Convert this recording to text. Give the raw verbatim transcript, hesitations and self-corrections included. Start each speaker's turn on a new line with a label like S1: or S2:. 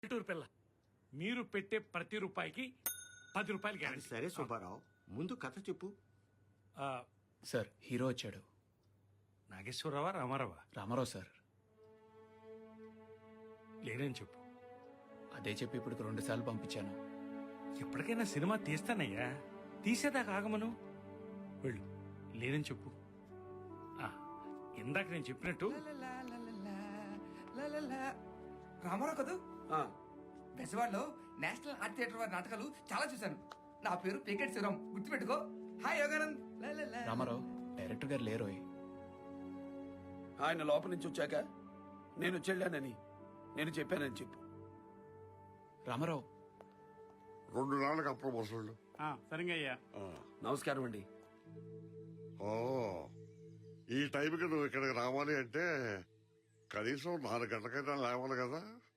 S1: పల్లెటూరు పిల్ల మీరు పెట్టే ప్రతి రూపాయికి పది రూపాయలు
S2: అది
S1: గ్యారెంటీ.
S2: సరే సుబ్బారావు, ముందు కథ చెప్పు.
S1: ఆ,
S3: సార్ హీరో వచ్చాడు.
S1: నాగేశ్వరరావా రామారావా?
S3: రామారావు సార్.
S1: లేదని చెప్పు.
S3: అదే చెప్పి ఇప్పుడు రెండు సార్లు పంపించాను.
S1: ఎప్పటికైనా సినిమా తీస్తానయ్యా, తీసేదాకా ఆగమను. వెళ్ళు, లేదని చెప్పు. ఆ, ఇందాక నేను చెప్పినట్టు
S4: రామారావు కదూ?
S2: ఆ,
S4: బెజవాడలో నేషనల్ ఆర్ట్ థియేటర్ వారి నాటకాలు చాలా చూశాను. నా పేరు పికెట్ శివరాం, గుర్తుపెట్టుకో. హాయ్ యోగానంద్. లా లా లా.
S3: రామారావు డైరెక్టర్ గారు లేరోయ్.
S5: ఆయన లోపల నుంచి వచ్చాక నేను చెల్లానని నేను చెప్పానని చెప్పు.
S3: రామారావు
S6: రెండు నాళ్ళకి అప్పుడు వసూళ్ళు.
S1: సరిగా అయ్యా.
S5: నమస్కారం అండి.
S6: ఓ, ఈ టైంకి నువ్వు ఇక్కడికి రావాలి అంటే కనీసం నాలుగు గంటలకైనా లేవాలి కదా.